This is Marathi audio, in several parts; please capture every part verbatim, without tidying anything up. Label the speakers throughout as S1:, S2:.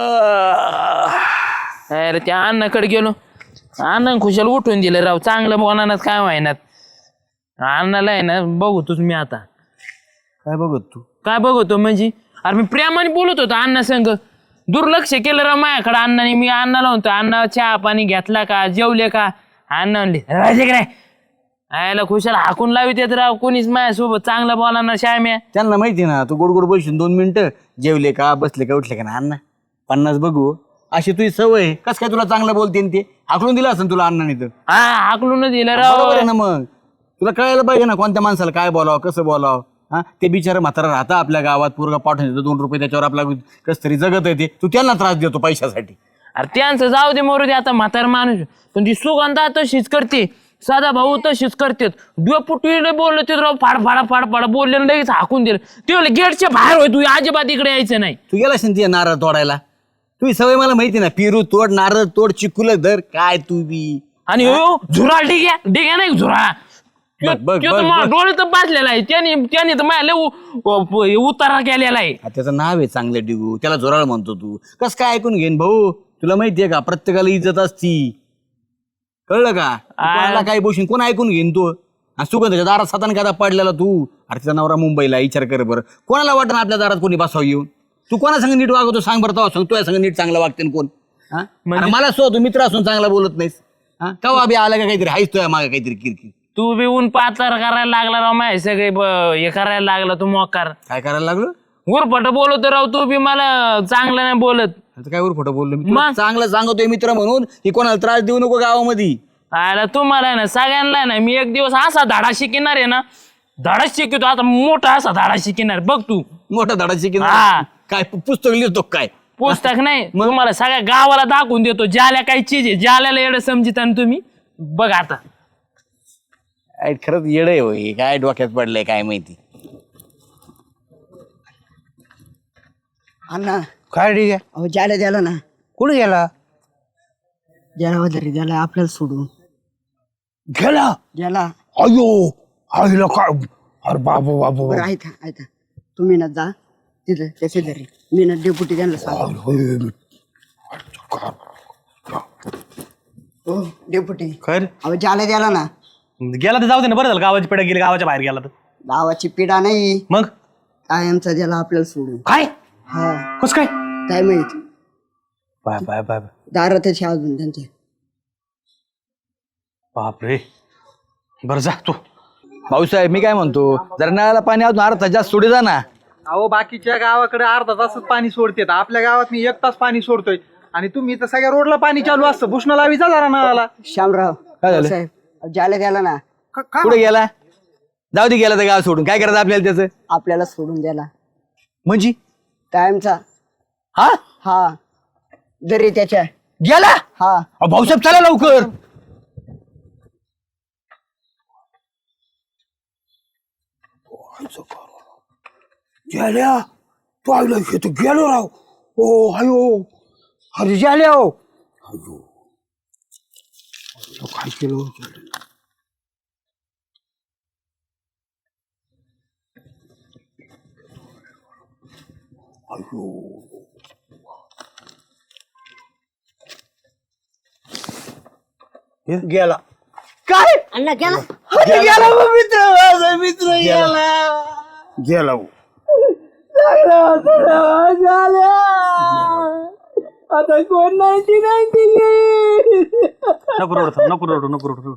S1: अरे त्या अण्णाकडे गेलो, अण्णा खुशाल उठून दिलं राव. चांगलं बोलणार काय व्हायनात. अण्णाला आहे ना बघतोच मी आता.
S2: काय बघत तू?
S1: काय बघतो म्हणजे अरे मी प्रेमाने बोलत होतो अण्णा संग. दुर्लक्ष केलं राव माझ्याकडे अण्णाने. मी अण्णाला म्हणतो अण्णा चहा पाणी घेतला का, जेवले का? अण्णा म्हणले राहायचे काय. आयला खुशाल हाकून लावित येत राव. कोणीच माझ्यासोबत चांगलं बोलणार श्याम्या.
S2: त्यांना माहिती ना तू गोड गोड बोलशील दोन मिनिटं. जेवले का, बसले का, उठले का ना अण्णा पन्नास बघू. अशी तुझी सवय. कस काय तुला चांगलं बोलते ते? हाकलून दिलं असं तुला अण्णाने तर.
S1: हा हाकलून दिलं राव.
S2: बरोबर आहे ना. मग तुला कळायला पाहिजे ना कोणत्या माणसाला काय बोलावं, कसं बोलावं. हा ते बिचारा म्हातारा राहता आपल्या गावात, पोरगा पाठवून देतो दोन रुपये त्याच्यावर आपला कस तरी जगत येते. तू त्यांना त्रास देतो पैशासाठी.
S1: अरे त्यांचं जाऊ दे मरू दे आता म्हातार माणूस. पण ती सुगंधा तशीच करते, साधा भाऊ तशीच करते. डुपुटीने बोलले ते राव फाड फाडा फाड फाडा बोलले लगेच हाकून दिलं. ते बोलले गेटच्या बाहेर होय, तू अजिबात इकडे यायचं नाही.
S2: तू गेला असेल नारळ तोडायला. तुझी सवय मला माहिती ना. पेरू तोड, नारळ तोड, चिकुल धर. काय तू बी.
S1: आणि हो झुरा डिग्या डिग्या नाही झुरा. डोळे तर बाजलेला आहे त्याने. त्याने तर माझ्या लय उतारा केलेला आहे.
S2: त्याचं नाव आहे चांगलं डिगू. त्याला जोराळ म्हणतो तू. कस काय ऐकून घेईन भाऊ? तुला माहितीये का प्रत्येकाला इज्जत असती. कळलं का? कोणाला काय बोलशील, कोण ऐकून घेईन तू? सुगंधाच्या दारात सातान कादा पडलेला तू. अरे तिचा नवरा मुंबईला. विचार कर बरं. कोणाला वाटत आपल्या दारात कोणी बसावं येऊन? तू कोणा संग नीट वागवतो सांग बरं. तो सांग तुझ्या संग नीट चांगला वागते कोण? हा मला सो तू मित्र असून चांगला बोलत नाहीस. हा कवा बी आला का काहीतरी हायच तुझ्या मागे काहीतरी किरकिर.
S1: तू बी ऊन पाचार करायला लागला राव. माय सगळे हे करायला लागला तू मोकार.
S2: काय करायला लागलो?
S1: उरफट बोलतो राव तू बी. मला चांगलं नाही बोलत.
S2: काय उरफट बोललो मी? चांगलं सांगतोय मित्र म्हणून की कोणाला त्रास देऊ नको गावामध्ये.
S1: आयला तुम्हाला आहे ना सगळ्यांना ना मी एक दिवस असा धाडा शिकणार आहे ना. धाडा शिकतो आता मोठा असा धाडा शिकणार बघ तू.
S2: मोठा धडा शिकेन.
S1: हा.
S2: काय पुस्तक लिहितो काय?
S1: पुस्तक नाही तुम्हाला सगळ्या गावाला दाखवून देतो. ज्याला काही चीज आहे ज्याला येडं समजित तुम्ही बघ आता.
S2: खरंच येड आहे होय. काय डोक्यात पडलंय काय माहिती.
S3: अण्णा
S4: काय ठीक आहे.
S3: अहो ज्याला द्याला ना.
S4: कुठे गेला?
S3: ज्याला वगैरे द्याला आपल्याला सोडून
S4: गेला.
S3: ज्याला
S4: अयो आईला काय. अरे बाबू बाबू
S3: बरं ऐका ऐका तुम्ही ना जा तिथं त्याचे घरी. मी ना डेपुटी त्यांना सांग. हो डेपुटी.
S4: खर
S3: अहो ज्याला द्याला ना.
S4: गेला तर जाऊ दे ना. बरं झालं गावाची पेढा गेली. गावाच्या बाहेर गेला तर
S3: गावाची पिढा नाही
S4: मग
S3: कायमचा ज्याला आपल्याला सोडून.
S4: काय
S3: हा
S4: कस काय?
S3: काय माहित.
S4: बाय बाय बाय
S3: दारात त्याची अजून त्यांचे.
S4: बापरे. बरं जा तू.
S2: भाऊसाहेब मी काय म्हणतो जरा नळाला पाणी अजून अर्धा जास्त सोडे जा ना.
S5: अहो बाकीच्या गावाकडे अर्धा तासच पाणी सोडते. आपल्या गावात मी एक तास पाणी सोडतोय आणि तुम्ही तर सगळ्या रोडला पाणी चालू असतं. भूषण लावी जा जरा नळाला.
S3: श्यामराव
S2: काय झालं?
S3: साहेब अहो, ज्याला द्याला ना.
S2: कुठे गेला? जाऊ दे गेला तर गाव सोडून. काय करायचं आपल्याला त्याचं?
S3: आपल्याला सोडून द्याला
S2: म्हणजे
S3: कायमचा.
S2: हा
S3: हा दरी त्याच्या.
S2: गेला?
S3: हा
S2: अहो, भाऊसाहेब चला लवकर.
S4: गेल्या तू आईला तू गेलो राव. ओ हायो. अरे गेल्या हो. अयो तो काय केलं? अयो गेला.
S2: काय
S3: अण्णा गेला.
S2: गेला मित्र. माझा मित्र गेला.
S4: गेला हो.
S3: आता कोण नाईन्टी नाईन्टी
S4: नको रडू थांब, नको रडू नको रडू.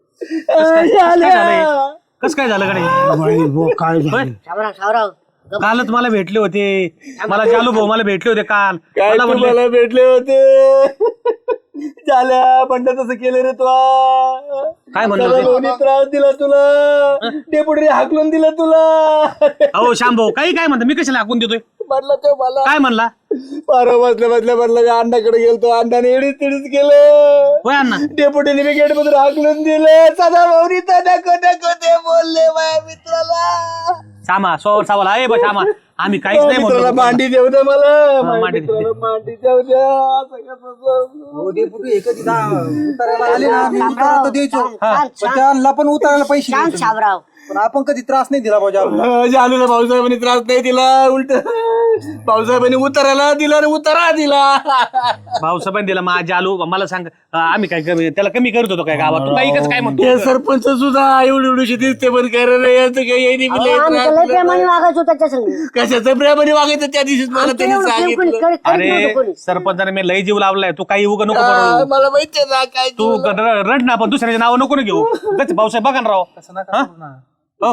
S4: कस काय झालं कडे? काय झालं? कालच मला भेटले होते. मला जालू भाऊ मला भेटले होते काल. मला म्हणले
S2: मला भेटले होते. झाल्या पण तसं केलं रे तुला.
S4: काय म्हणलं होते?
S2: त्रास दिला तुला. डेपुटी हाकलून दिला तुला.
S4: अहो श्याम भाऊ काही काय म्हणता? मी कशाला हाकून देतोय?
S2: म्हटलं तो मला
S4: काय म्हणला?
S2: पारा बसल्या बसल्या म्हटलं मी अण्णाकडे गेलतो. अण्णाने एडीच तिडीच केलं.
S4: होय अण्णा.
S2: डेपुटीने मी गेट मधून हाकलून दिलं. सदा भाऊनी तर नको नको ते बोलले माझ्या मित्राला.
S4: श्यामा सोवर सावाला आहे बा श्यामा. आम्ही काहीच नाही म्हणतो
S2: मित्राला
S4: पप्पांना.
S2: मांडी देऊ दे मला
S4: हा,
S2: माझ्या
S4: मांडी दे.
S2: मित्राला मांडी देऊ द्या असं कसं सांगू?
S5: हो, डेपुटी हे कधी दा- उतारायला आले ना मी
S3: शामराव,
S5: उतारा तर द्यायचो
S3: शांत, शांत,
S5: पण त्यांना पण उतारायला पैसे
S3: शांत
S5: द्यायचो.
S3: शामराव
S5: पण आपण कधी त्रास नाही दिला भाऊ जालूला.
S2: अं, जालूला भाऊसाहेबांनी त्रास नाही दिला उलट भाऊसाहेबांनी उतारायला दिला आणि उतारा दिला
S4: भाऊसाहेबांनी दिला माझ्या आलो मला सांग अं, आम्ही काय कमी त्याला कमी करत होतो काय गावात तू काही काय म्हणतो
S2: ते सरपंच सुद्धा एवढी एवढीशी दिसते पण खरं नाही याचं काही येणी बी लय
S3: आम्ही
S2: त्रास
S3: तर लय
S2: दिला.
S3: प्रेमाने वागायचो त्याच्या संग
S2: कशाचं प्रेमाने वागायचं त्या दिवशीच मला त्यांनी
S3: एवढं प्रेम कोणी
S2: सांगितलं
S3: करीत- करीत
S4: अरे
S3: नव्हतं कोणी.
S4: सरपंचाने मी लय जीव लावलाय तू काही उगा नको
S2: हा,
S4: करू.
S2: मला माहितीये ना काय
S4: तू ग- र- रड ना पण दुसऱ्याचे नाव नको ना घेऊ उगाच भाऊसाहेब बघा ना राव हा? हो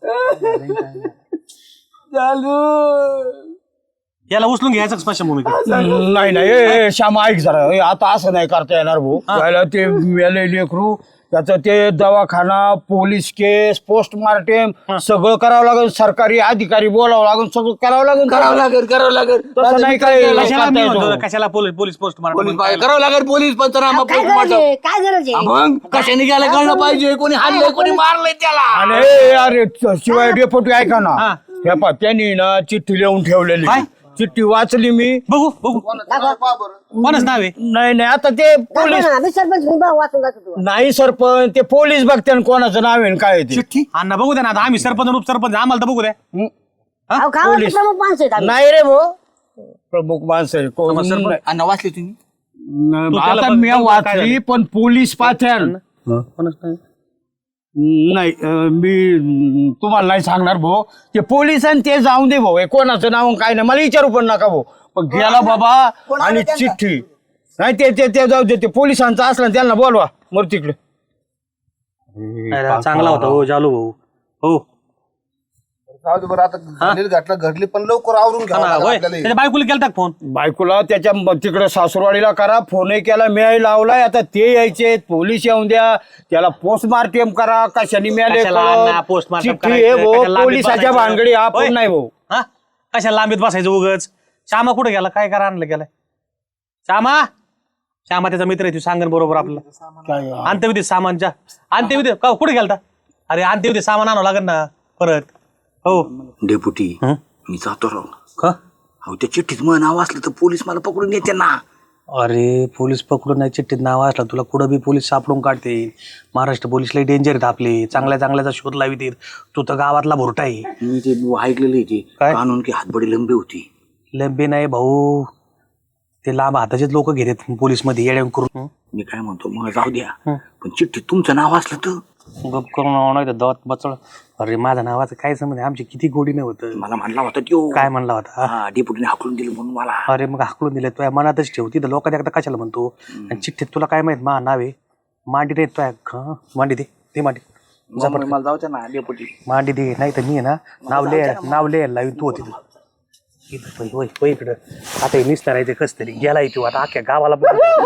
S2: चालू
S4: याला उचलून घ्यायचं स्मशानभूमीत
S6: नाही नाही ए, ए, श्यामा ऐक जरा ए, आता असं नाही करता येणार भाऊ त्याला ते मेले लेकरू त्याचं ते दवाखाना पोलीस केस पोस्टमार्टम सगळं करावं लागेल सरकारी अधिकारी बोलावं लागेल सगळं करावं लागेल
S2: करावं लागेल करावं लागेल
S6: तसं नाही काय
S4: कशाला मी
S6: करता
S4: म्हणतो
S6: येतो.
S4: कशाला पोलीस पोलीस पोस्ट
S2: पोलीस पाहिजे, करावं लागेल पोलीस पंचनामा
S3: अहो, काय गरज
S2: पोस्टमार्टम
S3: आहे काय गरज आहे
S2: मग कशाने गेलं कळलं पाहिजे कोणी हाणलंय कोणी मारलंय त्याला
S6: आणि ए, अरे च- शिवाय डेपोटी ऐका ना हे पा त्यांनी ना चिठ्ठी लिहून ठेवलेली चिठ्ठी वाचली मी
S4: बघू बघू कोणाच नाव आहे
S6: नाही नाही आता ते पोलीस
S3: आम्ही सरपंच मी बा- वाचून जातो तू
S6: नाही सरपंच ते पोलीस बघते कोणाचं नाव आहे आणि काय आहे ते
S2: चिठ्ठी
S4: अण्णा बघू द्या ना आता आम्ही सरपंच आणि उपसरपंच आम्हाला तर बघू द्या
S3: अहो, गावातले प्रमुख माणसं आहेत आम्ही.
S6: नाही रे भाऊ प्रमुख माणसं आहे. कोण नाही.
S2: अण्णा वाचले तुम्ही
S4: तू त्याला
S6: आता
S4: बघ-
S6: मी
S4: बघ काय
S6: वाचली
S4: झालं.
S6: पण पोलीस पाथ्यान नाही अं, मी अं, तुम्हाला नाही सांगणार भाऊ ते पोलीस आणि ते जाऊन दे भाऊ हे कोणाचं नाव आणि काय नाही मला विचारू पण नका भाऊ पण गेला बाबा आणि चिठ्ठी नाही ते ते ते जाऊ दे ते पोलिसांचं असलं ना त्यांना बोलवा मग तिकडे
S4: अरे, चांगला होता हो जालू भाऊ हो
S7: बरं आता झालेलं घातलं घडली पण लवकर आवरून घ्यावं
S4: हा,
S7: लागेल
S4: होय.
S7: आपल्याला हे.
S4: त्याच्या बायकोला केलता का फोन
S6: बायकोला त्याच्या म- तिकडे सासूरवाडीला करा फोनही केला मिळाई लावलाय आता ते यायचे पोलीस येऊन द्या त्याला पोस्टमार्टम करा कशाने मिळाले
S4: कशाला
S6: कळत.
S4: अण्णा postmortem
S6: चिठ्ठी
S4: करायचं,
S6: आहे भाऊ
S4: कशाला लांबीत
S6: पोलिसाच्या
S4: बसायचं?
S6: भानगडी
S4: होय.
S6: आपण नाही भाऊ
S4: हा कशाला लांबीत बसायचं उगच श्यामा कुठे गेला काय करा आणलं गेलाय श्यामा श्यामा त्याचा मित्र आहे तू सांगन बरोबर आपल्याला अंत्यविधी सामानच्या अंत्यविधी का कुठे गेलता अरे अंत्यविधी सामान आणावं लागेल ना परत हो
S2: डेपुटी
S4: हं?
S2: मी जातो राव
S4: का
S2: अहो त्या चिठ्ठीत मग नाव असलं तर पोलीस मला पकडून येते ना
S4: अरे पोलीस पकडून नाही चिठ्ठीत नाव असला तुला कुठं बी पोलीस सापडून काढते महाराष्ट्र पोलीस लई डेंजर आहेत आपले चांगल्या चांगल्याचा शोध लावित तू तर गावातला भोरटा आहे
S2: मी ते ऐकलेलं आहे ते
S4: काय?
S2: कानून की हातबडी लंबी होती
S4: लंबे नाही भाऊ ते लांब हाताचेच लोक घेतात पोलीस मध्ये येड्या करून
S2: मी काय म्हणतो मग जाऊ द्या पण चिठ्ठीत तुमचं नाव असलं तर
S4: गप करून नाही तर दवात बचळ अरे माझ्या नावाचं काय समज आमची किती गोडी नाही होत
S2: मला म्हणला होता त्यो
S4: काय म्हणला होता
S2: हा डेपुटीने हाकलून दिलं म्हणून मला
S4: अरे मग हाकलून दिलं तुझ्या मनातच ठेवती तर लोकांच्या एकदा कशाला म्हणतो आणि चिठ्ठीत तुला काय माहित मा नाव आहे मांडी रे तुझ्या मांडी दे ते मांडी
S2: मग मला जाऊ द्या ना डेपुटी
S4: मांडी दे नाही तर मी आहे ना नाव लिहाय नाव लिहायला लावीन तू होती इथं होय होय इकडं आता हे निसणार आहे ते कस तरी गेलाय तू आता अख्ख्या गावाला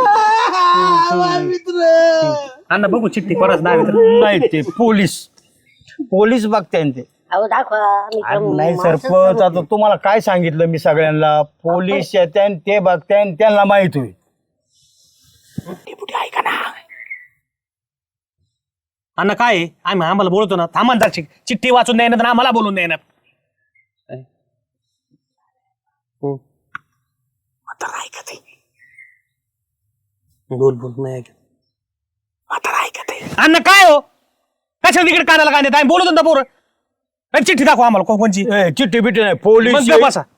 S4: अण्णा बघू चिठ्ठी कोणाच नाव आहे तर.
S6: नाही ते पोलीस पोलीस बघते ते
S3: अहो दाखवा आम्ही
S6: अरे
S3: प्रमुख
S6: नाही
S3: माणसं
S6: सरपंच आता तुम्हाला काय सांगितलं मी सगळ्यांना पोलीस येते ते बघते त्यांना माहित होईल
S2: डेपुटी ऐका ना
S4: अण्णा काय आहे? आम्ही आम्हाला बोलतो ना थांबा ना जरा चिठ्ठी वाचून द्यायना तर आम्हाला बोलून द्यायना
S2: म्हातारा ऐकत आहे
S4: बोल बोल नाही ऐकत.
S2: म्हातारा ऐकत आहे
S4: अण्णा काय हो कशाला तिकडे कानाला काय देत आम्ही बोलतो ना पोरं अरे चिठ्ठी दाखवा आम्हाला को- कोणची
S6: ए, चिठ्ठी बिट्टी नाही पोलीस
S4: मग गप्प बसा.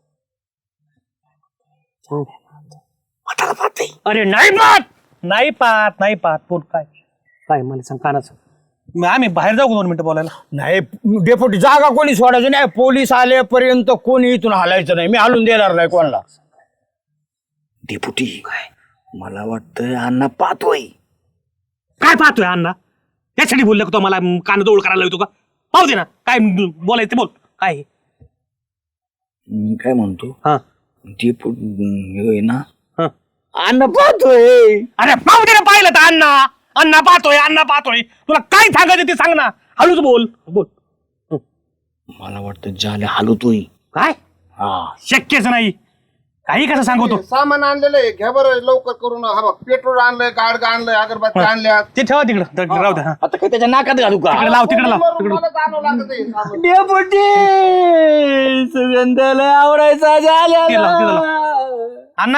S2: म्हातारा पाहते
S4: अरे नाही पाहत नाही पाहत नाही पाहत पोट काय काय मला सांग कानाचं मग आम्ही बाहेर जाऊ का दोन मिनिटं बोलायला
S6: नाही डेपुटी जागा कोणी सोडायची नाही पोलीस आलेपर्यंत कोणी इथून हलायचं नाही मी हलून देणार नाही कोणाला
S2: डेपुटी मला वाटतं अण्णा पाहतोय
S4: काय पाहतोय अण्णा यासाठी बोलले का तो मला कान जवळ करायला येतो का पाहू दे ना काय बोलायचं ते बोल काय आहे?
S2: मी काय म्हणतो
S4: हा
S2: डेपुटी होय ना
S4: हा
S2: अण्णा पाहतोय
S4: अरे पाहू दे ना पाहिलं तर अण्णा अण्णा पाहतोय अण्णा पाहतोय तुला काय सांगायचं ते सांग ना हळूच बोल बोल
S2: मला वाटतं जाले हलवतोय
S4: काय
S2: हा
S4: शक्यच नाही काही कसं सांगतो
S7: सामान आणलेलं आहे घ्या बरं लवकर करून हा बघ पेट्रोल आणलंय गाडगा आणलंय अगरबत्ती आणल्या
S4: ते ठेवा तिकडं तर राहू द्या हा.
S2: आता काय त्याच्या नाकात घालू का
S4: तिकडे लाव तिकडे लाव
S7: मला जाणवं लागत आहे सामान.
S2: डेपुटी सुगंधाला आवडायचा झाल्या
S4: तिकडे लाव तिकडे लाव अण्णा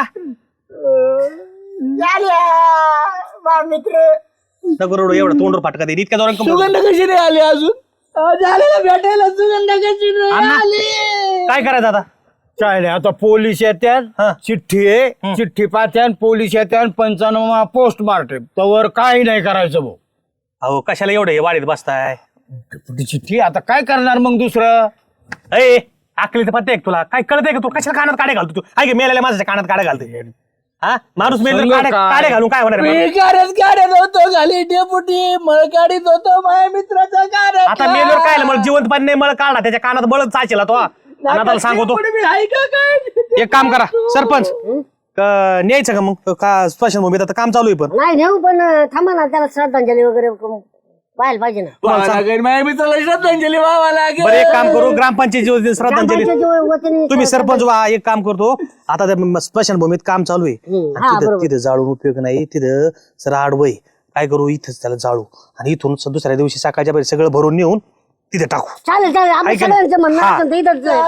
S4: नको रडू, एवढं तोंडवर फाटका दे इतक्या जोरात कंबर-
S2: सुगंध कशी नाही आली अजून अहो, झालेला भेटायला सुगंध कशी नाही
S4: अण्णा,
S2: आली
S4: काय करायचं आता
S6: काय नाही आता पोलीस
S4: हा.
S6: येत्यात चिठ्ठी आहे चिठ्ठी पाहत्यान पोलीस येत्यान पंचाण्णव पोस्टमार्टम तवर काही नाही करायचं भाऊ
S4: अहो कशाला एवढं हे वाढीत बसताय
S6: ती चिठ्ठी आता काय करणार मग दुसरं
S4: अय आकली तर पत्ते तुला काय कळतंय का तू कशाला कानात काड्या घालतो तू ऐक मेलेल्या माझ्या कानात काड्या घालते हा माणूस मेल
S6: सांग
S4: काड्या
S6: काय?
S4: काड्या घालून काय होणार आहे?
S2: मी गाड्यात गाड्यात होतो घाली डेपुटी मळ गाडीत होतो माझ्या मित्राचा गाड्या
S4: आता मेलवर काय मला जिवंत पाणी नाही मळ काढला त्याच्या कानात बळच चाचेला तो आणि आता सांगतो एक काम करा सरपंच क- न्यायचं का मग का स्मशानभूमीत आता काम चालू आहे पण
S3: नाही नेऊ पण थांबा ना त्याला श्रद्धांजली वगैरे क- व्हायला पाहिजे ना
S2: माझ्या मित्राला श्रद्धांजली व्हावा लागेल
S4: बरं एक काम करू ग्रामपंचायत श्रद्धांजली
S3: ग्रामपंचायतीच्या वतीने
S4: तुम्ही सरपंच व्हा एक काम करतो आता त्या स्मशानभूमीत काम चालू आहे
S3: हम्म, हा,
S4: तिथं
S3: बरोबर.
S4: तिथं जाळून उपयोग नाही तिथं सर आडवय काय करू इथंच त्याला जाळू आणि इथून स- दुसऱ्या दिवशी सकाळच्या पहिले सगळं भरून नेऊन तिथे टाकू
S3: चालेल चालेल आम्ही
S4: ऐका ना.
S3: सगळ्यांचं म्हणणं
S4: हा.
S3: असेल तर इथंच जायचं.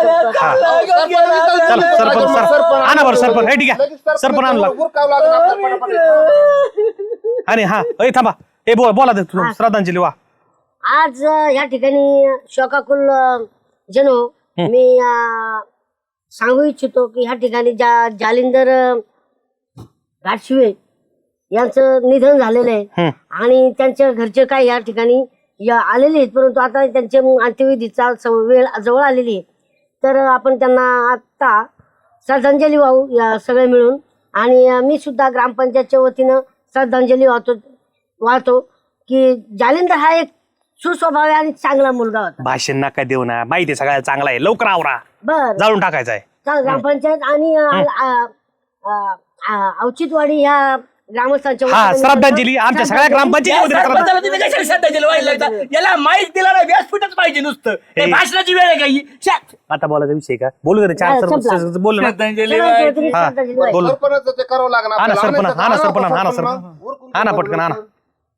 S4: चला सरपंच सर आणा बरं सरपंच हे ठीक आहे
S7: लगेच
S4: सरपंच आणला
S7: उरकावं लागलं आपल्याला पटापट.
S4: आणि हा ए थांबा ए बोला बोला ते तुम्ही श्रद्धांजली वा
S3: आज अं, या ठिकाणी शोकाकुल अं, जनो मी अं, सांगू इच्छितो की ह्या ठिकाणी ज्या जालिंदर अं, घाटशिवे यांचं निधन झालेलं आहे आणि त्यांच्या घरचे काय या ठिकाणी या आलेले आहेत परंतु आता त्यांच्या अंत्यविधीचा स- वेळ जवळ आलेली आहे तर आपण त्यांना आता श्रद्धांजली वाहू या सगळे मिळून आणि अं, मी सुद्धा ग्रामपंचायतच्या वतीनं श्रद्धांजली वाहतो वाहतो की जालिंदर हा एक सुस्वभावी आणि चांगला मुलगा होता.
S4: भाषण नका देऊ ना माहिती आहे सगळ्याला चांगला आहे लवकर आवरा
S3: बर
S4: जाळून टाकायचं आहे
S3: चाल ग्रामपंचायत आणि अ, अ, अ, अ, औचित्यवाडी ह्या ग्रामस्थांच्या
S4: हा
S3: वतीने
S4: श्रद्धांजली आमच्या सगळ्या ग्रामपंचायती
S2: सरपंचाला तिथे कशाला श्रद्धांजली व्हायला लागतं? याला माहिती दिला ना व्यासपीठच पाहिजे नुसतं ते
S4: हे.
S2: भाषणाची वेळ आहे का ही? शा.
S4: आता बोलायचा विषय का बोलू दे चार
S3: हा,
S4: सरपंच
S3: संपला.
S4: बोलू ना
S2: श्रद्धांजली
S3: सगळ्यांच्या
S2: व्हायची.
S3: वतीने
S4: हा,
S3: श्रद्धांजली वाहिली.
S4: बोल.
S7: सरपंच ते करावं लागणार
S4: हा ना
S7: आपल्याला.
S4: सरपंच
S7: आणायचं
S4: हा ना
S7: का?
S4: सरपंच हा ना
S7: सरपंच
S4: सरपंच
S7: उरकून
S4: हा ना
S7: ठेवा
S4: पटकन हा ना
S7: बरोबर.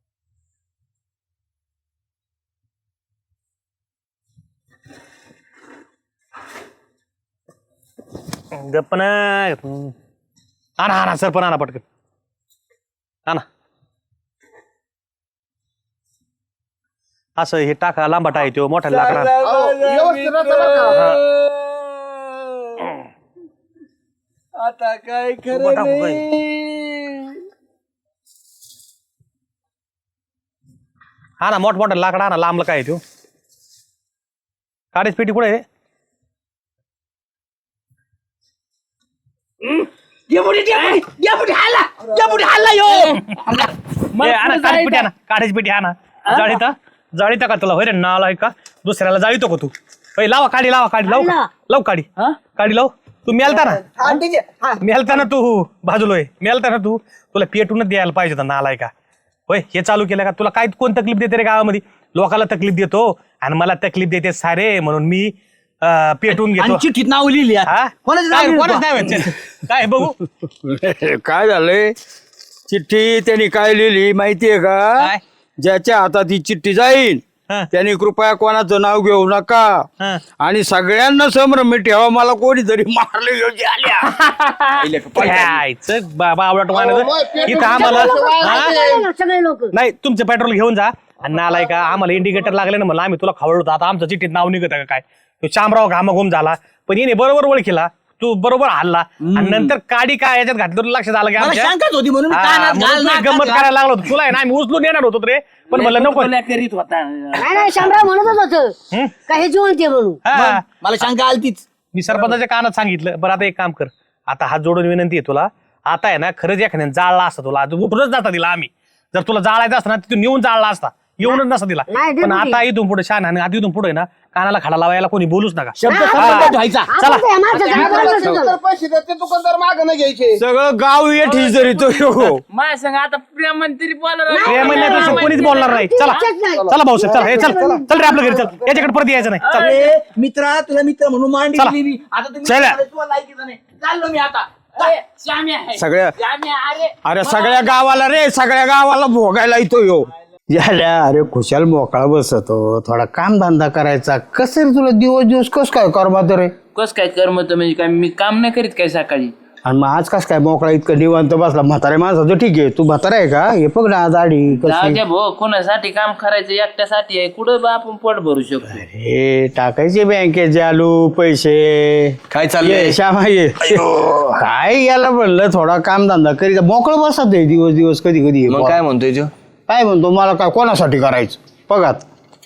S4: गप्पना हा ना हा ना सरपंच हा ना पटकन हा ना असं हे टाका लांबाटा आहे तो मोठा लाकडा
S7: अहो, व्यवस्थित राहतं बरं का?
S2: आता काय
S4: उभं
S2: खरं
S4: टाकू काय?
S2: नाही.
S4: हा ना मोठ मोठा लाकडा हा ना लांबला काय आहे तो काडीच पेटी कुठे आहे
S2: डेपुटी, डेपुटी, डेपुटी, हल्ला, डेपुटी, हल्ला, यो. हल्ला.
S4: ए, हा ना, काडीच पेटी हा ना काडीच पेटी हा ना जाळीता जाळीता का तुला होय रे नाला आहे का दुसऱ्याला जाळीतो का तू होय लावा काडी लावा काडी लाव
S3: लावा.
S4: लाव काडी काडी लाव तू मेलता ना
S2: हा, ठीक आहे. हा.
S4: मेलता ना तू बाजूलोय मेलता ना तू तुला पेटूनच द्यायला पाहिजे होता नालाय का होय हे चालू केलं का तुला काय कोण तकलीफ देते रे गावामध्ये लोकाला तकलीफ देतो आणि मला तकलीफ देते सारे म्हणून मी अं, पेटून घेतो
S2: आणि चिठ्ठीत नाव लिहिली आहे.
S4: हा?
S2: कोणाचं नाव
S4: काय
S2: लिहिलं
S4: कोणाचं
S2: तू?
S4: नाव आहे? चल. काय बघू
S6: काय झालंय चिठ्ठी त्यांनी काय लिहिली माहितीये का
S4: काय?
S6: ज्याच्या हातात ही चिठ्ठी जाईल
S4: हा.
S6: त्यांनी कृपया कोणाचं नाव घेऊ नका
S4: हा.
S6: आणि सगळ्यांना संभ्रम ठेवा मला कोणीतरी मारले योग्य आल्या
S4: यायचं बाबा आवडत
S7: अहो,
S4: मानायचं
S7: मग पेटून
S4: इथं आम्हाला
S7: ठेवायचं
S4: हा?
S7: वाया
S3: सगळे लोक
S4: नाही तुमचं पेट्रोल घेऊन जा आणि नालाय का आम्हाला इंडिकेटर लागले ना म्हणलं आम्ही तुला खवळतो आता आमचं चिठ्ठीत नाव निघत का काय तो शामराव घामाघूम झाला पण येणे बरोबर ओळखीला तू बरोबर हल्ला आणि नंतर काडी काय याच्यात घातलं तुला लक्षात आलं की
S2: मला
S4: आमच्या
S2: शंकाच होती म्हणून
S4: हा,
S2: कानात
S4: म्हणून
S2: घाल,
S4: तुला
S2: नाकात
S4: गंमत
S2: घाल.
S4: करायला लागलो होतो तुला आहे ना आम्ही उचलून येणार होतो रे पण म्हणलं नको
S2: कोल्या करीत होता
S3: नाही नाही शामराव म्हणतच होतं का हे जिवंत आहे म्हणून
S4: हा.
S2: मला शंका आलतीच
S4: मी सरपंचाच्या कानात सांगितलं बरं आता एक काम कर आता हात जोडून विनंती आहे तुला आता आहे ना खरंच एखाद्याने जाळला असता तुला आज उठूनच जाता दिला आम्ही जर तुला जाळायचं असतं ना तिथून नेऊन जाळला असता येऊनच नसता दिला
S3: नाही,
S4: पण
S3: डेपुटी.
S4: आता इथून पुढे शान आणि आधी इथून पुढे ना कानाला खडा लावायला कोणी बोलूच नका
S2: शब्द
S3: हा.
S2: संबंध व्हायचा
S3: आपण ते माणसाचं
S7: आपल्याला
S3: बोलणं सुद्धा.
S7: दुकानदार पैसे देते दुकानदार माग नाही घ्यायचे
S6: सगळं गाव येठी जरी तो हो
S1: माझ्या संग आता प्रेमंत्री बोला
S4: प्रेम म्हणण्यापेक्षा कोणीच बोलणार नाही चला चला भाऊसाहेब चला हे चल चल रे आपल्या घरी चल याच्याकडे परत यायचं नाही चल
S2: अरे मित्रा तुला मित्र म्हणून मांडी
S4: चला.
S2: दिली मी. आता तुम्ही
S4: चला.
S2: तुला लायकीचं नाही
S1: चाललो मी आता अरे, श्याम्या आहे.
S6: सगळ्या
S1: श्याम्या, अरे
S6: अरे सगळ्या गावाला रे सगळ्या गावाला भोगायला येतो यो झाल्या अरे खुशाल मोकळा बसतो थोडा काम धंदा करायचा कसं रे तुला दिवस दिवस कस काय करमात रे
S1: कस काय करमत म्हणजे काय मी काम नाही करीत काय सकाळी
S6: आणि मग आज कस काय मोकळा इतकं निवांत बसला म्हातारे माणसाचं ठीक आहे तू म्हातारा आहे का हे बघ ना दाढी
S1: जाऊ
S6: कशी
S1: द्या भाऊ कोणासाठी काम करायचं एकट्यासाठी आहे कुठं बा आपण पोट भरू शकतो
S6: हे टाकायचे बँकेत जालू पैसे
S2: काय चाललंय?
S6: ये, श्यामा ये काय याला म्हणलं थोडा काम धंदा करीत मोकळं बसत आहे दिवस दिवस कधी कधी
S2: मग काय म्हणतोय तो
S6: काय म्हणतो मला काय कोणासाठी करायचं बघात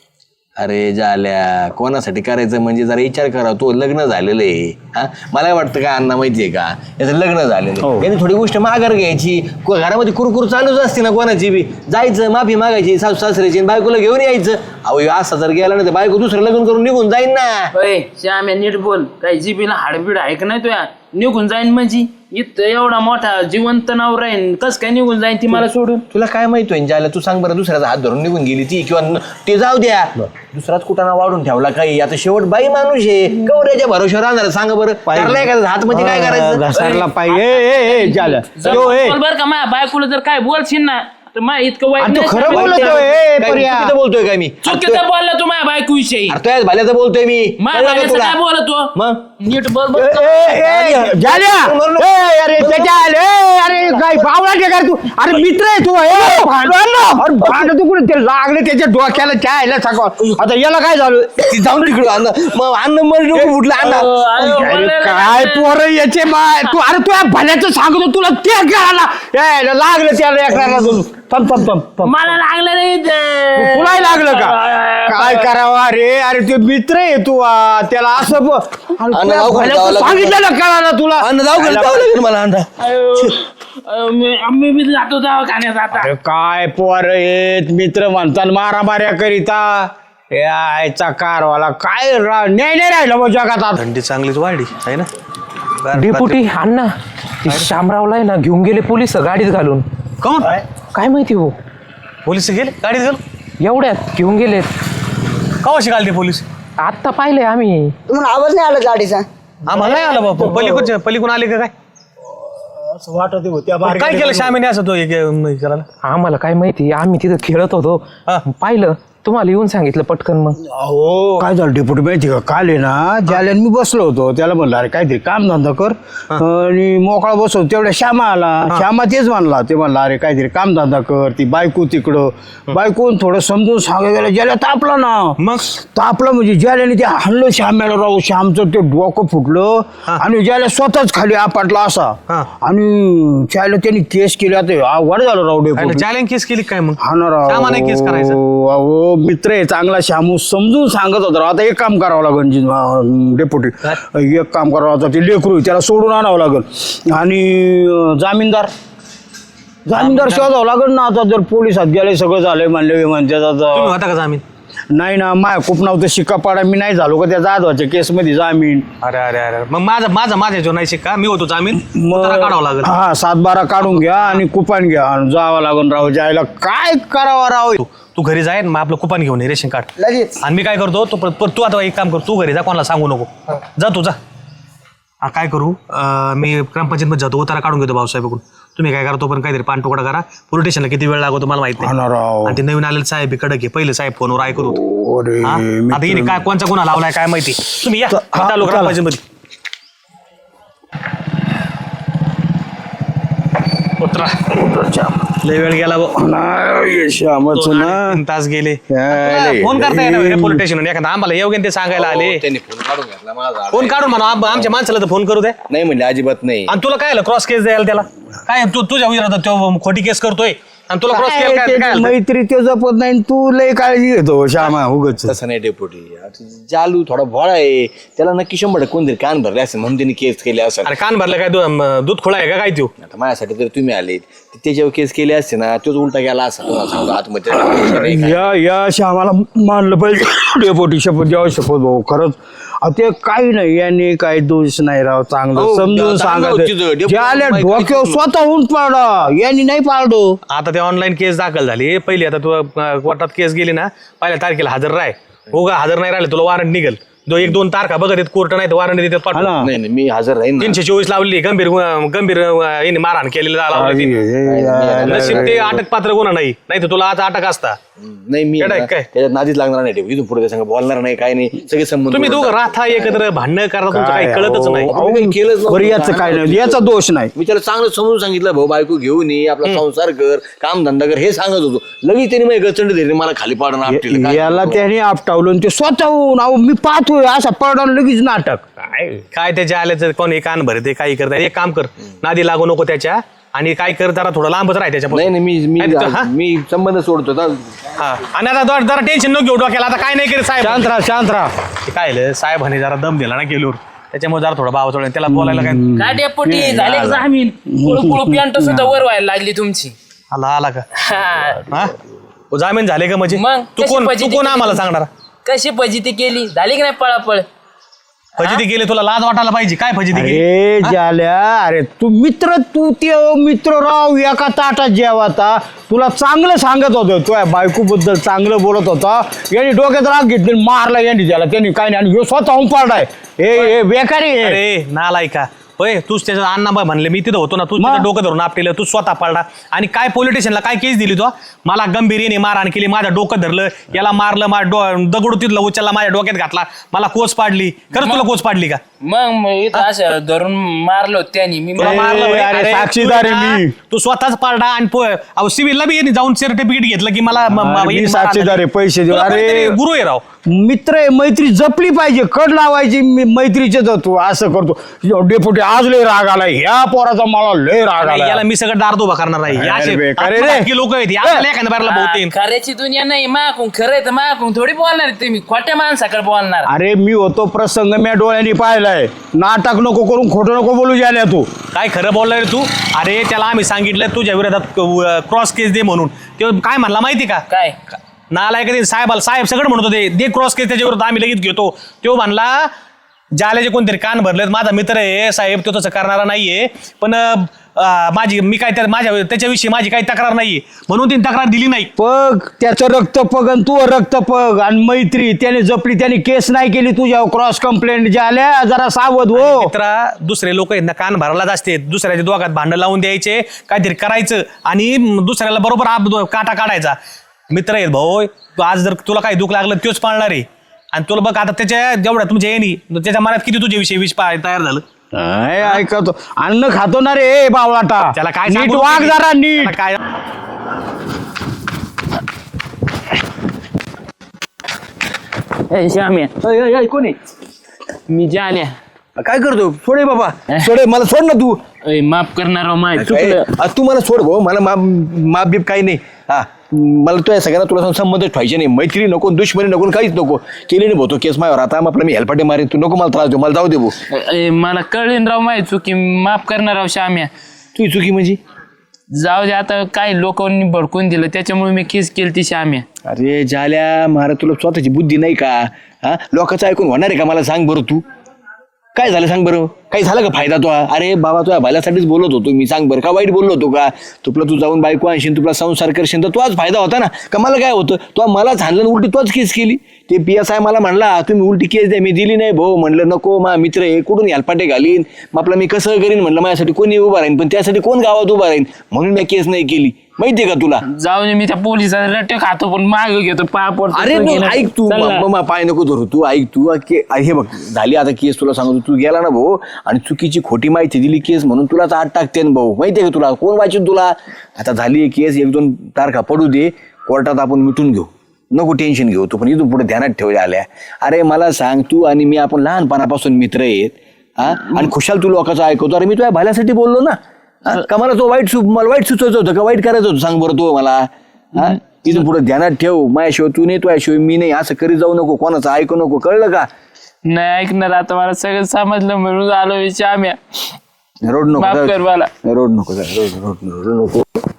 S2: अरे झाल्या कोणासाठी करायचं म्हणजे जरा विचार करा तो लग्न झालेलं आहे हा मला वाटतं का अण्णा माहितीये का याचं लग्न झालेलं
S6: हो.
S2: आहे याने थोडी गोष्ट माघार घ्यायची को- घरामध्ये कुरकुर चालूच असते ना कोणाची बी जायचं माफी मागायची सासू सासऱ्याची आणि बायकोला घेऊन यायचं अहो ह्यो असा जर गेला ना तर बायको दुसरं लग्न करून निघून जाईन ना
S1: अय श्याम्या नीट बोल काही जिबीला हाडबीड आहे का नाही तुया निघून जाईन म्हणजे इथं एवढा मोठा जिवंत नाव राहीन कस काय निघून जाईन ती मला सोडून
S2: तुला काय माहित होईन ज्याला तू सांग बरं दुसऱ्याचा हात धरून निघून गेली ती किंवा न- ते जाऊ द्या दुसराच कुठाना वाढून ठेवला काही आता शेवट बाई माणूस आहे कवऱ्याच्या भरोश्यावर राहणार सांगा बरं ठरलंय का हात मध्ये काय करायचं
S6: घसारला पाहिजे झालं यो, ए.
S1: बोल बर का माझ्या बायकोला जर काय बोलशील ना तर मा इतकं वाईट
S6: आणि तू
S1: नाही
S6: खरं
S1: सांगत.
S6: बोलतोय ए,
S2: काय
S6: पर्या.
S2: चुकीचं बोलतोय काय मी
S1: चुकीचं बोलला तू माझ्या बायको विषयी
S2: अरे तुझ्याच भाल्याचं बोलतोय मी
S1: माझ्या
S2: कळलं का
S1: बायकोचं
S2: तुला?
S1: काय बोलतो
S2: मग
S1: नीट बोल
S6: ए,
S1: बर का?
S6: ए, ए, झाल्या. ए, अरे त्याच्या ए, अरे काय बावळा काय तू अरे मित्र आहे तू ए, भांडण अरे भांडण तू कुठे ते लागले त्याच्या डोक्याला चायला सकाळ आता याला काय झालं
S2: ती जाऊन तिकडं अन्न मग अन्न मर डोकं फुटलं अन्न
S1: अहो, अहो,
S6: अरे
S1: बोलायला
S6: काय
S1: लागलं.
S6: पोरं याचे माय तू अरे तू या भल्याचं सांगतो तुला ते करायला ए, लागलं त्याला एकराला तू थांब थांब थांब थांब.
S1: मला लागलं नाही ते.
S6: तुलाही लागलं का काय करावं अरे अरे ते मित्र आहे तू आ, त्याला असं ब- अरे
S2: अन्न
S6: तुला
S2: लावून
S6: भल्याचं
S2: जावं लागेल.
S6: सांगितलं ना कळालं तुला
S2: अन्न जाऊ घरी जावं लागेल मला अन्न
S1: अयो, अयो, मी- आम्ही बी जातो दवाखान्यात आता
S6: अरे काय पोर येत मित्र म्हणतात मारामाऱ्या करिता यायचा कारवाला काय रा- न्याय नाही राहिलं मग जगात आता.
S4: थंडी चांगलीच वाढली आहे ना
S8: डेपुटी अण्णा ते शामरावला आहे ना घेऊन गेले पोलिस गाडीत घालून
S4: कोण
S8: काय माहिती हो
S4: पोलीस गेले गाडीत गेलो
S8: एवढ्यात घेऊन गेलेत
S4: कवाशी घालते पोलीस
S8: आत्ता पाहिले आम्ही
S9: तुम्हाला आवाज नाही आला गाडीचा
S4: आम्हाला नाही आलं बापू पलीकडच्या पलीकडून आले का काय
S6: वाटत होत्या
S4: पण काय केलं श्यामीने असं तो एक हे करायला
S8: आम्हाला काय माहिती आम्ही तिथं खेळत होतो
S4: हा.
S8: पाहिलं तुम्हाला येऊन सांगितलं पटकन मग
S6: अहो काय झालं डेपुटी माहिती का काल आहे ना ज्याला मी बसलो होतो त्याला म्हणलं अरे काहीतरी काम धंदा कर आणि मोकळा बसवतो तेवढ्या श्यामा आला श्यामा तेच म्हणला ते म्हणला अरे काहीतरी काम धंदा कर ती बायको तिकडं बायकोन थोडं समजून सांगायला गेलं ज्याला तापला ना
S4: मग
S6: तापलं म्हणजे ज्याला ते हाणलं श्याम्याला राहू श्यामचं ते डोकं फुटलं आणि ज्याला स्वतःच खाली आपटला असा
S4: हा.
S6: आणि त्याला त्यांनी केस केली आता आवड झालं राहू डेपुटी
S4: जायला केस केली काय मग
S6: हा ना राव.
S4: श्यामाने केस करायचं
S6: अहो मित्र आहे चांगला श्यामू समजून सांगत होता राव. आता एक काम करावं लागेल जी- अं, डेपुटी एक काम करावं आता ते लेकरू आहे, त्याला सोडून आणावं लागेल आणि अं, जामीनदार जामीनदार शोधावं लागेल ना आता जर पोलिसात गेले सगळं झालंय म्हणले म्हणते
S4: तुम्ही होता का जामीन
S6: नाही ना माय खूप नव्हतं शिक्का पाडा मी नाही झालो का त्या जाधवाच्या केसमध्ये जामीन
S4: अरे अरे अरे मग माझा माझा माझ्या जो नाही शिक्का मी होतो जामीन उतारा काढावा लागेल
S6: हा सात बारा काढून घ्या आणि कुपान घ्या आणि जावं लागेल राव जायला काय करावं राव
S4: तू तू घरी जाय मग आपलं कुपन घेऊन ये रेशन कार्ड
S9: लगेच
S4: आणि मी काय करतो तू परत- परत तू आता एक काम कर तू घरी जा कोणाला सांगू नको जा तू जा हा, काय करू अं, मी ग्रामपंचायतमध्ये जातो उतारा काढून घेतो भाऊसाहेबकडून तुम्ही काय करा तो पण काहीतरी पान तुकडा करा पोलीस स्टेशनला किती वेळ लागतो मला माहित
S6: हा ना
S4: नाही
S6: राव.
S4: आणि ते नवीन आलेले साहेब हे कडक आहे पहिले साहेब फोनवर ऐकत होतो
S6: अरे
S4: हा? आता हिने काय कोणचा गुन्हा लावलाय काय माहिती तुम्ही या
S6: हा,
S4: चालू
S6: चला.
S4: ग्रामपंचायतमध्ये उतरा लय वेळ गेला भाऊ.
S6: नाही श्यामच
S4: दोन
S6: ना
S4: आणि तीन तास गेले
S6: लय-
S4: फोन करता येणार पोलीस स्टेशन एखादा आम्हाला येऊ ते सांगायला आले
S2: त्यांनी फोन काढून घेतला माझा
S4: फोन काढून म्हणा आम- आमच्या माणसाला तर फोन करू दे
S2: नाही म्हणजे अजिबात नाही
S4: आणि तुला काय क्रॉस केस द्यायला त्याला काय तू तुझ्या विरोधात तो खोटी केस करतोय आणि तुला क्रॉस केस
S6: काय
S4: काय
S6: ते
S4: काय झालं?
S6: मैत्री ते जपत नाही तू लय काळजी घेतो श्यामा उगच
S2: तसं नाही डेपुटी आता जालू थोडा भोळा आहे त्याला नक्की शंभर टक्के कोणतरी कान भरले असेल म्हणून त्यांनी केस केले असेल
S4: अरे कान भरलं काय दू- म, दूध खोळा आहे का काय तू
S2: आता माझ्यासाठी जर तुम्ही आले तर त्याच्यावर केस केले असते ना तोच उलटा गेला असा तुम्हाला सांगतो आतमध्ये नाही काय.
S6: या या श्यामाला मानलं पाहिजे डेपोटी शपथ द्यावं शपथ भाऊ खरंच अहो, ते काही नाही यांनी काही दोष नाही राव चांगलं
S2: हो,
S6: समजून
S2: चांगलं होतं तिथं.
S6: सांगायचं
S2: डेपुटी
S6: ज्याला
S2: माहिती
S6: डोक्यावर
S2: नाही.
S6: स्वतःहून पाडा यांनी नाही पाडो
S4: आता ते ऑनलाईन केस दाखल झाली पहिली आता तू अ, कोर्टात केस गेली ना पहिल्या तारखेला हजर राह हो का हजर नाही राहिले तुला वॉरंट निघेल दो एक दोन तारखा बघत आहेत कोर्ट नाही तर वॉरंट देतात
S6: हा
S4: पाठवून.
S6: ना.
S2: नाही नाही मी हजर राहीन ना.
S4: तीनशे चोवीस लावली गंभीर गु- गंभीर अं, याने मारहाण केलेलं लावली नशीब ते अटक पात्र गुन्हा नाही नाही तर तुला आज अटक असता.
S2: नाही मी
S4: येडा आहे
S2: ना,
S4: काय?
S2: त्याच्यात नादीच लागणार नाही ठेव. इथून पुढे त्या संग बोलणार नाही काय नाही सगळे संबंध
S4: तुम्ही दोघं राहता एकत्र भांडणं करता तुमचं काही कळतच नाही.
S2: अहो, काही केलंच नव्हतं.
S6: बरं याचं काय नाही याचा दोष नाही.
S2: मी त्याला चांगलं समजून सांगितलं भाऊ बायको घेऊन ये आपला संसार कर काम धंदा कर हे सांगत होतो. लगेच त्याने माझी गचंड धरली मला खाली पाडून आपटीलं. काय
S6: याला
S2: करू?
S6: त्याने आपटावलं आणि ते स्वतःहून अहो मी पाहतोय असा पडून लगेच नाटक.
S4: काय काय त्याच्या आल्याचं कोण हे कान भरते काही करता एक काम कर नादी लागू नको त्याच्या आणि काय कर जरा थोडं लांबच राह
S2: नाही
S4: त्याच्यापासून.
S2: नाही मी मी
S4: नाही तर- हा?
S2: मी संबंध सोडतो ना.
S4: हा. आणि आता जरा- जरा टेन्शन नको घेऊ डोक्याला आता काय नाही केलं साहेब.
S6: शांत राहा शांत राहा.
S4: ते काय झालं, साहेबांनी जरा दम दिला ना गेल्यावर त्याच्यामुळे जरा थोडा भाव चढला त्याला बोलायला काय
S1: काय डेपुटी झाले का जामीन कुळकुळ पॅन्ट सुद्धा वर व्हायला लागली तुमची.
S4: आला आला का
S1: हा.
S4: हा ओ, जामीन झाले का म्हणजे
S1: मग
S4: तू
S1: कशी
S4: कोण तू
S1: फजिती
S4: कोण
S1: केली
S4: आम्हाला
S1: तुम्ही?
S4: सांगणार
S1: कशी फजिती केली झाली की नाही पळापळ.
S4: फजिती गेले तुला लाज वाटायला पाहिजे काय फजिती केली.
S6: अरे झाल्या अरे तू मित्र तू ते मित्र राव एका ताटात जेवाता तुला चांगलं सांगत होतं तुझ्या बायको बद्दल चांगलं बोलत होता यांनी डोक्यात राग घेतली मारला यांनी त्याला त्यांनी काय नाही आणि ह्यो स्वतःहून पाडाय हे हे बेकारी आहे.
S4: अरे नालायका होय तूच त्याचा अण्णा म्हणले मी तिथं होतो ना तू
S6: मग?
S4: तिथं डोकं धरून आपल्याला तू स्वतः पडला आणि काय पोलिटिशियनला काय केस दिली तो मला गंभीरीने मारहाण केली माझ्या डोकं धरलं याला मारलं माझ्या डो दगडू तिथलं उचलला माझ्या डोक्यात घातला मला कोच पाडली खरंच तुला कोच पाडली का
S1: मग मग इथं असं धरून मारलो त्यांनी मी
S4: तुला मारलं
S6: ए,
S4: होय?
S6: अरे,
S4: अरे,
S6: साक्षीदार
S4: तू
S6: आहे
S4: ना,
S6: मी.
S4: तू स्वतःच पारडा आणि पो- अहो सिव्हिलला बी यांनी जाऊन सर्टिफिकेट घेतलं की मला म- म-
S6: अरे, मी
S4: यांनी
S6: साक्षीदार आहे, पैसे देऊ.
S4: तुला
S6: अरे.
S4: कोणीतरी गुरु आहे राव
S6: मित्र आहे मैत्री जपली पाहिजे कड लावायची मी- मैत्रीचे तू असं करतो डेपुटी आज लय राग आला ह्या पोराचा मला लय राग
S4: आणि
S6: आला.
S4: याला मी सगळं दार उभा करणार आहे हे
S6: अरे
S4: असे
S6: बेकार आहे रे.
S4: आत्मघातकी लोक आहेत हे आपल्याला एखाद्या बारला बहुतेन
S1: खऱ्याची दुनिया नाही माकून खरंय तर माकून थोडी बोलणार तुम्ही खोट्या माणसाकडे बोलणार.
S6: अरे मी होतो प्रसंग मी डोळ्यांनी पाहिलाय नाटक नको करून खोटं नको बोलू जाल्या तू.
S4: काय खरं बोललाय रे तू अरे त्याला आम्ही सांगितलं तुझ्या विरोधात क्रॉस केस दे म्हणून तो काय म्हणला माहिती का
S1: काय
S4: नालायक ते साहेबाला साहेब सगळं म्हणत होते दे क्रॉस केस त्याच्या विरोधात आम्ही लगेच घेतो तो म्हणला जाल्याचे कोणतरी कान भरलेत माझा मित्र आहे साहेब तो तसं करणारा नाहीये पण अं, माझी मी काय त्या माझ्या त्याच्याविषयी माझी काही तक्रार नाहीये म्हणून तिने तक्रार दिली नाही.
S6: पग त्याचं रक्त पग आणि तू रक्त पग आणि मैत्री त्याने जपली त्याने केस नाही केली तुझ्या क्रॉस कंप्लेंट झाल्या जरा सावध हो.
S4: मित्रा दुसरे लोक आहेत ना कान भरायलाच असते दुसऱ्याच्या दोघात भांडण लावून द्यायचे काहीतरी करायचं आणि दुसऱ्याला बरोबर आप काटा काढायचा. मित्र आहेत भाऊ तू आज जर तुला काही दुःख लागलं तोच पाळणार आहे आणि तुला बघ आता त्याच्या जेवढ्या तुमच्या येणी त्याच्या मनात किती तुझ्या विषयी विष पा- तयार झालं.
S6: काय ऐकतो अन्न खातो ना रे बावळाटा
S4: त्याला काय
S6: नीट
S4: सांगू
S6: वाग
S4: तुम्ही?
S6: जरा नीट.
S4: त्याला काय
S1: ए, श्याम्या
S2: कोणी
S1: मी जाल्या
S2: काय करतो सोडे बाबा सोडे मला सोड ना तू.
S1: ए, माफ करणार माय
S2: काय?
S1: चुकलं.
S2: आ, तू मला सोड भाऊ मला माप माप बीप काही नाही हा मला तुझ्या सगळ्यांना तुला संबंधच ठेवायचे नाही मैत्री नको दुश्मनी नको काहीच नको केली नाही भाऊ तो केस माझ्यावर आता आपला मी हेलपाटे मारेन तू नको मला त्रास देऊ मला जाऊ दे भाऊ.
S1: ए, मला कळेन राव माय चुकी माफ करणार राव श्याम्या.
S2: तुझी चुकी म्हणजे
S1: जाऊ दे आता काय लोकांनी भडकून दिलं त्याच्यामुळे मी केस केली ती श्याम्या.
S2: अरे झाल्या मारा तुला स्वतःची बुद्धी नाही का हा लोकांचं ऐकून होणार आहे का मला सांग बरं तू काय झालं सांग बरं काही झालं का फायदा तो अरे बाबा तुझ्या भल्यासाठीच बोलत होतो मी सांग बरं का वाईट बोललो होतो का तुला तू जाऊन बायको आणशील तुला संसार करशील तर तोच फायदा होता ना का मला काय होतं तो मलाच हाणलं उलटी तोच केस केली ते पी एस आय मला म्हणला तुम्ही उलटी केस द्या मी दिली नाही भाऊ म्हणलं नको मा मित्र आहे कुठून हेलपाटे घालीन मग आपलं मी कसं करीन म्हणलं माझ्यासाठी कोणी उभा राहीन पण त्यासाठी कोण गावात उभा राहीन म्हणून मी केस नाही केली माहितीये का तुला.
S1: जाऊ दे मी त्या पोलिसाला रट्टे खातो पण माग घेतो पाय पडतो.
S2: अरे तू ऐक तू म- म- पाय नको धरू तू ऐक तू आ, के- हे बघ झाली आता केस तुला सांगतो तू गेला ना भाऊ आणि चुकीची खोटी माहिती दिली केस म्हणून तुलाच आत टाकते ना भाऊ माहितीये का तुला कोण वाचून तुला आता झाली केस एक दोन तारखा पडू दे कोर्टात आपण मिटून घेऊ नको टेन्शन घेऊ तू पण इथून पुढे ध्यानात ठेवल्या आल्या. अरे मला सांग तू आणि मी आपण लहानपणापासून मित्र आहेत हा आणि खुशाल तू लोकांचं ऐकवतो अरे मी तुझ्या भल्यासाठी बोललो ना हा? का मला तो वाईट सु मला वाईट सुचवायचं होतं का वाईट करायचं होतं सांग बरं तो मला हा इथून पुढे ध्यानात ठेव माझ्याशिवाय तू नाही तुझ्याशिवाय मी नाही असं करीत जाऊ नको कोणाचं ऐकू नको कळलं का.
S1: नाही ऐकणार आता मला सगळं समजलं म्हणून आलो श्याम्या.
S2: रोड नको
S1: माफ कर मला.
S2: रोड नको रोड रोड रोड नको